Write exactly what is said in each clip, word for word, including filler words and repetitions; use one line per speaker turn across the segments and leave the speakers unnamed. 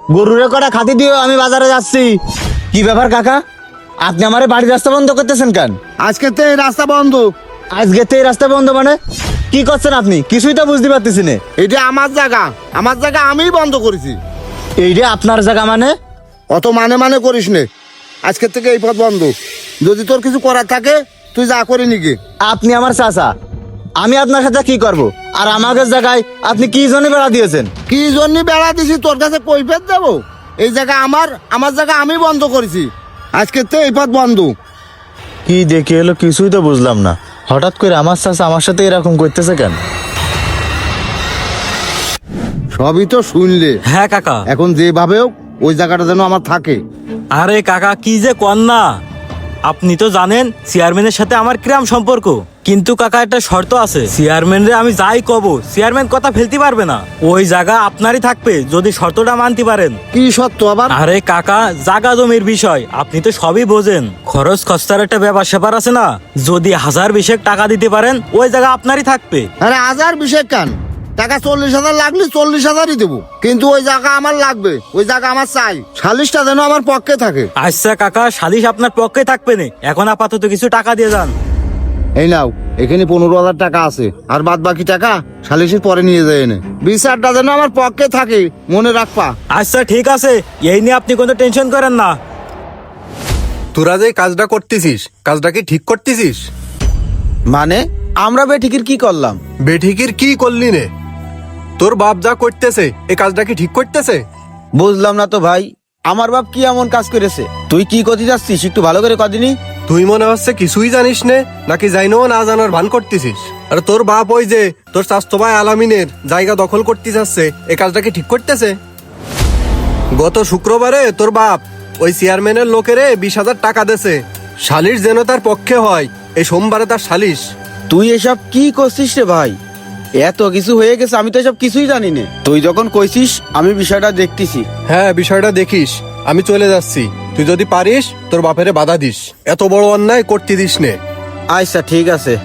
গরুরে কটা খাতি দিও, আমি বাজারে যাচ্ছি। কি ব্যাপার কাকা, আপনি আমার বাড়ির রাস্তা বন্ধ করতেছেন কেন?
আজকে তো এই রাস্তা বন্ধ।
আজকে তো এই রাস্তা বন্ধ মানে কি করছেন আপনি? কিছুই তো বুঝতে পারতেছি না।
এটা আমার জায়গা, আমার জায়গা আমিই বন্ধ করেছি।
এইটা আপনার জায়গা মানে?
অত মানে মানে করিস নে, আজকের থেকে এই পথ বন্ধ। যদি তোর কিছু করার থাকে তুই যা করে নিকে।
আপনি আমার চাচা, আমি আপনার সাথে কি করব? আর আমাদের জায়গায় আপনি কি জন্য বেড়া দিয়েছেন?
কি জন্য বেড়া দিছি তোর কাছে কৈফিয়ত দেবো? এই জায়গা আমার, আমার জায়গা আমি বন্ধ করেছি। আজকের থেকে এই পথ বন্ধ।
কি দেখে এলো কিছুই তো বুঝলাম না। হঠাৎ করে আমার চাচা আমার সাথে এরকম করতেছে কেন?
সবই তো শুনলে।
হ্যাঁ কাকা।
এখন যেভাবে হোক ওই জায়গাটা যেন আমার থাকে।
আরে কাকা কি যে কন না, আপনি তো জানেন চেয়ারম্যানের সাথে আমার কিরাম সম্পর্ক। কিন্তু কাকা একটা শর্ত আছে, চেয়ারম্যান রে আমি যাই কব চেয়ারম্যান কথা ফেলতে পারবে না। ওই জায়গা আপনারই থাকবে যদি শর্তটা মানতে পারেন।
কি সত্য আবার?
আরে কাকা জাগা জমির বিষয় আপনি তো সবই বোঝেন, খরচ খরচার একটা ব্যাপার স্যাপার আছে না। যদি হাজার বিশেক টাকা দিতে পারেন ওই জায়গা আপনারই থাকবে।
আরে হাজার বিশেক কান টাকা, চল্লিশ হাজার লাগলে চল্লিশ হাজারই দেবো, কিন্তু ওই জায়গা আমার লাগবে, ওই জায়গা আমার চাই। সালিশটা যেন আমার পক্ষে থাকে।
আচ্ছা কাকা, সালিশ আপনার পক্ষে থাকবে না, এখন আপাতত কিছু টাকা দিয়ে যান।
এই নাও, এখানে পনেরো হাজার টাকা আছে, আর বাদ বাকি টাকা সালিশের পরে নিয়ে যায় এনে। বিচারটা যেন আমার পক্ষে থাকে, মনে রাখবা।
আচ্ছা ঠিক আছে, এই নিয়ে আপনি কোনো টেনশন করেন না।
তোরা যে কাজটা করতেছিস, কাজটা কি ঠিক করতেছিস?
মানে আমরা বেঠিকের কি করলাম?
বেঠিকির কি করলি নে? তোর বাপ যা করতেছে এই কাজটা কি ঠিক করতেছে?
বুঝলাম না তো ভাই, আমার বাপ কি এমন কাজ করেছে? তুই কি করতে যাচ্ছিস একটু ভালো করে কদিনই।
তুই মনে হচ্ছে কিছুই জানিস নে, নাকি জাইনো না জানার ভান করতেছিস? আর তোর বাপ ওই যে তোর স্বাস্থ্য ভাই আলামিনের জায়গা দখল করতে যাচ্ছে, এই কাজটা কি ঠিক করতেছে? গত শুক্রবারে তোর বাপ ওই চেয়ারম্যানের লোকেরে বিশ হাজার টাকা দেছে, সালিশ যেন তার পক্ষে হয়। এই সোমবারে তার সালিশ।
তুই এসব কি করছিস রে ভাই? এত কিছু হয়ে গেছে, আমি তো এসব কিছুই জানি না। তুই যখন কইছিস আমি বিষয়টা দেখতেছি।
হ্যাঁ বিষয়টা দেখিস, আমি চলে যাচ্ছি। তুই যদি পারিস তোর বাপেরে বাধা দিস, এত বড় অন্যায় করতে দিস নে।
আচ্ছা ঠিক আছে।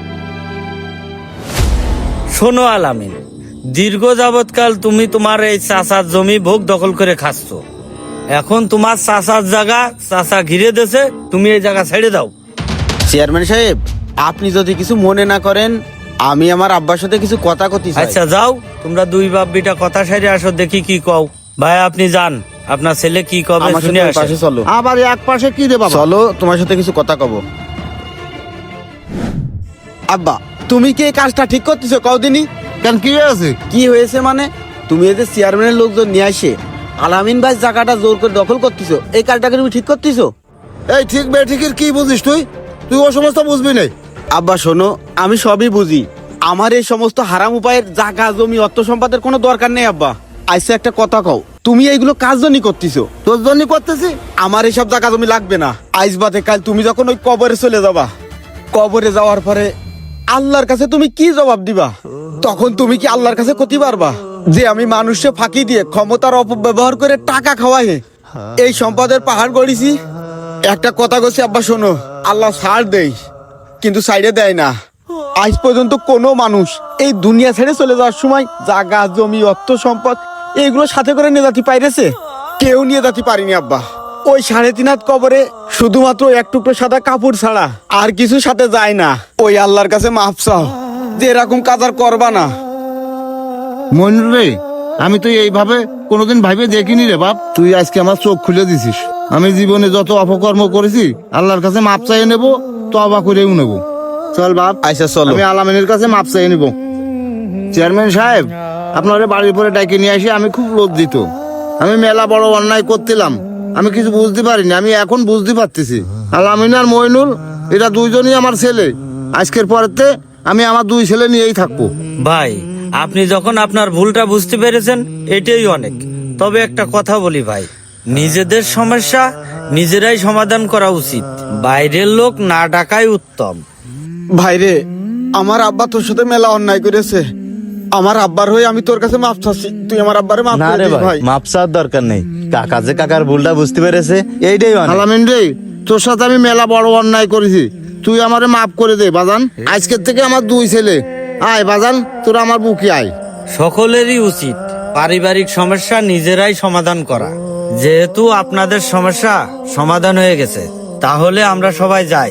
শোনো আলামিন, দীর্ঘ যাবৎকাল তুমি তোমার এই চাচার জমি ভোগ দখল করে খাচ্ছ। এখন তোমার চাচার জায়গা চাচা ঘিরে দেছে, তুমি এই জায়গা ছেড়ে দাও।
চেয়ারম্যান সাহেব, আপনি যদি কিছু মনে না করেন, আমি আমার আব্বার সাথে কিছু কথা কতি চাই।
আচ্ছা যাও, তোমরা দুই বাপ বিটা কথা সাইরে আসো, দেখি কি কও। ভাই আপনি যান, আপনার ছেলে কি কবে
আমার
শুনে
সাথে
আসে।
পাশে চলো।
আবার এক পাশে কি রে বাবা?
চলো তোমার সাথে কিছু কথা কব। আব্বা, তুমি কি এই কাজটা ঠিক করতেছো কদিনই?
কেন কি আছে?
কি হয়েছে মানে? তুমি এই যে চেয়ারম্যানের লোকজন নিয়ে আসে আলামিন ভাই জায়গাটা জোর করে দখল করতেছো, এই কাজটাকে তুমি ঠিক করতেছো?
এই ঠিক বেঠিকের কি বুঝিস তুই? তুই ও সমস্ত বুঝবি না।
আব্বা শোনো, আমি সবই বুঝি। আমার এই সমস্ত হারাম উপায়ের জায়গা জমি অর্থ সম্পাদের কোনো দরকার নেই আব্বা। আইসা একটা কথা কও, তুমি এইগুলো কাজ জন্যই করতেছো?
তোর জন্য করতেছি।
আমার এইসব জায়গা জমি লাগবে না। আইস বাদে কাল তুমি যখন ওই কবরে চলে যাবা, কবরে যাওয়ার পরে আল্লাহর কাছে তুমি কি জবাব দিবা? তখন তুমি কি আল্লাহর কাছে করতে পারবা যে আমি মানুষকে ফাঁকি দিয়ে ক্ষমতার অপব্যবহার করে টাকা খাওয়াই এই সম্পদের পাহাড় গড়িছি? একটা কথা কইছি আব্বা শোনো, আল্লাহ ছাড় দেই কিন্তু সাইডে দেয় না। আজ পর্যন্ত কোনো মানুষ এই দুনিয়া ছেড়ে চলে যাওয়ার সময় জায়গা জমি অর্থ সম্পদ এইগুলো সাথে করে নিয়ে যেতে পাইরেছে? কেউ নিয়ে যেতে পারিনি আব্বা। ওই সাড়ে তিন হাত কবরে শুধুমাত্র এক টুকরো সাদা কাপড় ছাড়া আর কিছু সাথে যায় না। ওই আল্লাহর কাছে মাফ চাও যে এরকম কাজ আর করবা না।
মইনুল রে, আমি তো এইভাবে কোনোদিন ভাইবে দেখিনি রে বাপ। তুই আজকে আমার চোখ খুলে দিছিস। আমি জীবনে যত অপকর্ম করেছি আল্লাহর কাছে মাপ চাইয়ে নেবো, তওবা করেও নেবো। চল বাপ,
আচ্ছা চলো।
আমি আলামিনের কাছে মাপ চাইয়ে নেবো। চেয়ারম্যান সাহেব, আপনার বাড়ির পরে ডাইকে নিয়ে আসি আমি খুব লজ্জিত। আমি মেলা বড় অন্যায় করছিলাম, আমি কিছু বুঝতে পারিনি, আমি এখন বুঝতে পারতেছি। আলামিন আর মইনুল এরা দুইজনই আমার ছেলে। আজকের পরেতে আমি আমার দুই ছেলে নিয়েই থাকবো।
ভাই আপনি যখন আপনার ভুলটা বুঝতে পেরেছেন এটাই অনেক। তবে একটা কথা বলি ভাই, নিজেদের সমস্যা নিজেরাই সমাধান করা উচিত, বাইরের লোক না ডাকাই উত্তম।
ভাইরে, আমার আব্বা তোর সাথে মেলা অন্যায় করেছে। আমার আব্বার হয়ে আমি তোর কাছে মাফ চাচ্ছি, তুই আমার আব্বারে মাফ
না
করে
রে
দিস
ভাই,
ভাই।
মাপ চাওয়ার দরকার নেই। কাকা যে কাকার ভুলটা বুঝতে পেরেছে এইটাই অনেক।
আলামিন রে, তোর সাথে আমি মেলা বড় অন্যায় করেছি, তুই আমারে মাফ করে দে বাজান। আজকের থেকে আমার দুই ছেলে। আয় বাজান, তোরা আমার বুকে আয়।
সকলেরই উচিত পারিবারিক সমস্যা নিজেরাই সমাধান করা। যেহেতু আপনাদের সমস্যা সমাধান হয়ে গেছে, তাহলে আমরা সবাই যাই।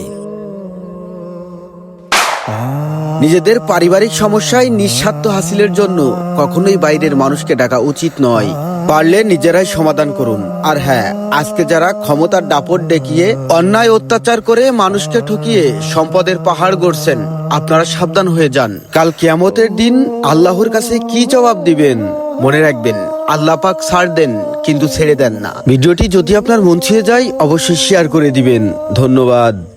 নিজেদের পারিবারিক সমস্যায় নিঃস্বার্থ হাসিলের জন্য কখনোই বাইরের মানুষকে ডাকা উচিত নয়। পারলে নিজেরাই সমাধান করুন। আর হ্যাঁ, আজকে যারা ক্ষমতার দাপট দেখিয়ে অন্যায় অত্যাচার করে মানুষকে ঠকিয়ে সম্পদের পাহাড় গড়ছেন, আপনারা সাবধান হয়ে যান। কাল কিয়ামতের দিন আল্লাহর কাছে কি জবাব দিবেন? মনে রাখবেন, আল্লাহ পাক ছাড় দেন কিন্তু ছেড়ে দেন না। ভিডিওটি যদি আপনার মন ছুঁয়ে যায় অবশ্যই শেয়ার করে দিবেন। ধন্যবাদ।